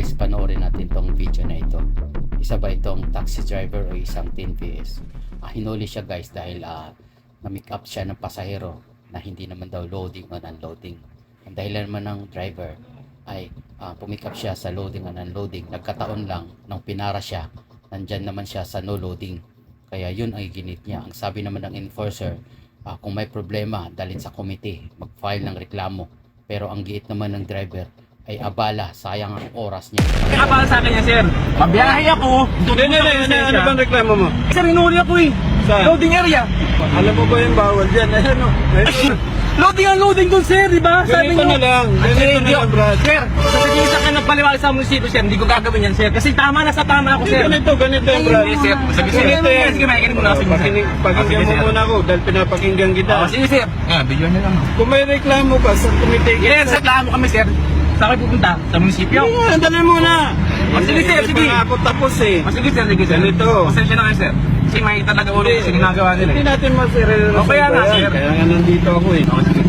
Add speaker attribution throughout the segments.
Speaker 1: guys, panoorin natin tong video na ito. Isa ba itong taxi driver o isang 10PS? Hinuli siya guys dahil na-make up siya ng pasahero na hindi naman daw loading o unloading. Ang dahilan naman ng driver ay pumick up siya sa loading and unloading. Nagkataon lang nang pinara siya, nandyan naman siya sa no loading. Kaya yun ang ginit niya. Ang sabi naman ng enforcer, kung may problema, dalhin sa committee, mag-file ng reklamo. Pero ang giit naman ng driver ay abala, sayang ang oras niya.
Speaker 2: Abala sa akin yan, sir. Mabiyahe ako.
Speaker 3: Ano bang reklamo mo?
Speaker 2: Sir, inuli ako eh.
Speaker 3: Saan?
Speaker 2: Loading area.
Speaker 3: Alam mo ba yung bawal dyan? Ayan o.
Speaker 2: Loading ang loading doon, sir, di ba? Sabi
Speaker 3: Ganito
Speaker 2: niyo.
Speaker 3: na lang. Ganito na lang, Brad.
Speaker 2: Sir, sasabihin sa akin ng paliwala sa munisipyo, sir, hindi ko gagawin yan, sir. Kasi tama na sa tama ako, sir.
Speaker 3: Ganito yung Brad.
Speaker 2: Hindi, sir. Sabihin, sir. Sige, makikinig mo na.
Speaker 3: Pakinggan mo muna ako dahil pinapakinggan kita.
Speaker 2: Sige, sir. Video na lang.
Speaker 3: Kung may reklamo ka sa committee,
Speaker 2: Yes, reklamo kami, sir. Saan kayo pupunta? Sa munisipyo?
Speaker 3: Dali muna.
Speaker 2: Sige, sir, sige.
Speaker 3: Hindi pa ako tapos eh.
Speaker 2: Sige, sir, sige, sir.
Speaker 3: Ganito.
Speaker 2: Pasensya na kayo, sir. Kasi may talaga ulo kasi ginagawa nila.
Speaker 3: Hindi natin masiril.
Speaker 2: Kaya nga, sir.
Speaker 3: Kaya nga nandito ako eh.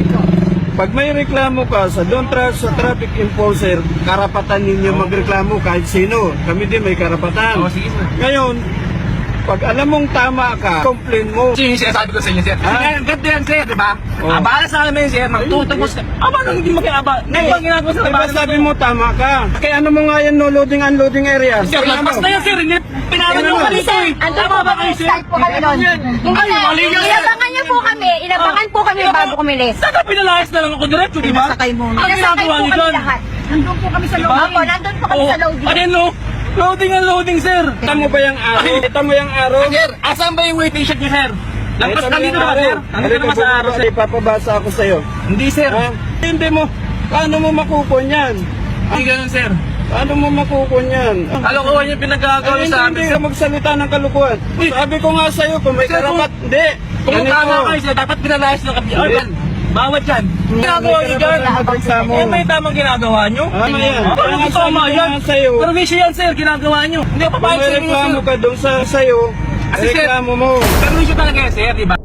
Speaker 3: Pag may reklamo ka sa sa traffic enforcer, karapatan ninyo magreklamo kahit sino. Kami din may karapatan.
Speaker 2: Sige, sir.
Speaker 3: Ngayon, pag alam mong tama ka, complain mo.
Speaker 2: Yung sinasabi ko sa inyo, sir. Ganito yan, sir, di ba?
Speaker 3: Oh.
Speaker 2: Abala sa amin, sir. Magtutubos ka. Paano hindi makiaba? Ngayon bang ginagawa sa
Speaker 3: Diba sabi mo tama ka? Kaya ano mo nga yan, no loading unloading area?
Speaker 2: Sir, lagpas na yan, sir. Hindi, pinaran nyo kami, sir.
Speaker 4: Tama ba kayo, sir? Po kami nun.
Speaker 2: Ay, mali yan, sir.
Speaker 4: Inabangan niyo po kami. Inabangan po kami bago kumilis.
Speaker 2: Saka pinalayas na lang ako diretso, di ba?
Speaker 4: Pinasakay mo.
Speaker 2: Ang
Speaker 4: Pinasakay
Speaker 2: ginagawa
Speaker 4: po
Speaker 2: niyo
Speaker 4: kami
Speaker 2: dyan?
Speaker 4: lahat. Nandun po kami sa
Speaker 2: Diba?
Speaker 4: loading. Opo, nandun po kami sa loading.
Speaker 2: Ano no? Loading ang loading, sir.
Speaker 3: Kita mo ba yung araw? Kita mo yung araw?
Speaker 2: Sir, asan ba yung waiting shed niyo, sir? Lampas
Speaker 3: Ito
Speaker 2: ka dito ba, sir? Nandito naman sa araw, sir.
Speaker 3: Ipapabasa ako sa'yo.
Speaker 2: Hindi, sir.
Speaker 3: Ha? Hindi mo. Paano mo makukon yan?
Speaker 2: Hindi ganun, sir.
Speaker 3: Paano mo makukon yan?
Speaker 2: Kalokohan yung pinagkagawa
Speaker 3: Ay,
Speaker 2: sa amin,
Speaker 3: hindi
Speaker 2: sir.
Speaker 3: ka magsalita ng kalukuhan. Sabi ko nga sa'yo, kung may
Speaker 2: Sir,
Speaker 3: karapat, hindi.
Speaker 2: Kung tama kayo, sir, dapat pinalayas ng kami. Urban, bawat yan. Ginagawa niyo dyan. Eh, may tamang ginagawa niyo.
Speaker 3: Tama yan.
Speaker 2: Ano
Speaker 3: Kaya nga
Speaker 2: tama
Speaker 3: sabi ko
Speaker 2: yan?
Speaker 3: nga sa'yo,
Speaker 2: Permission yan, sir, ginagawa niyo. Hindi ako
Speaker 3: kung
Speaker 2: papayag
Speaker 3: may
Speaker 2: sa inyo,
Speaker 3: reklamo
Speaker 2: sir.
Speaker 3: ka doon sa'yo,
Speaker 2: Kasi, sir,
Speaker 3: reklamo mo.
Speaker 2: permission talaga yan, sir, di ba?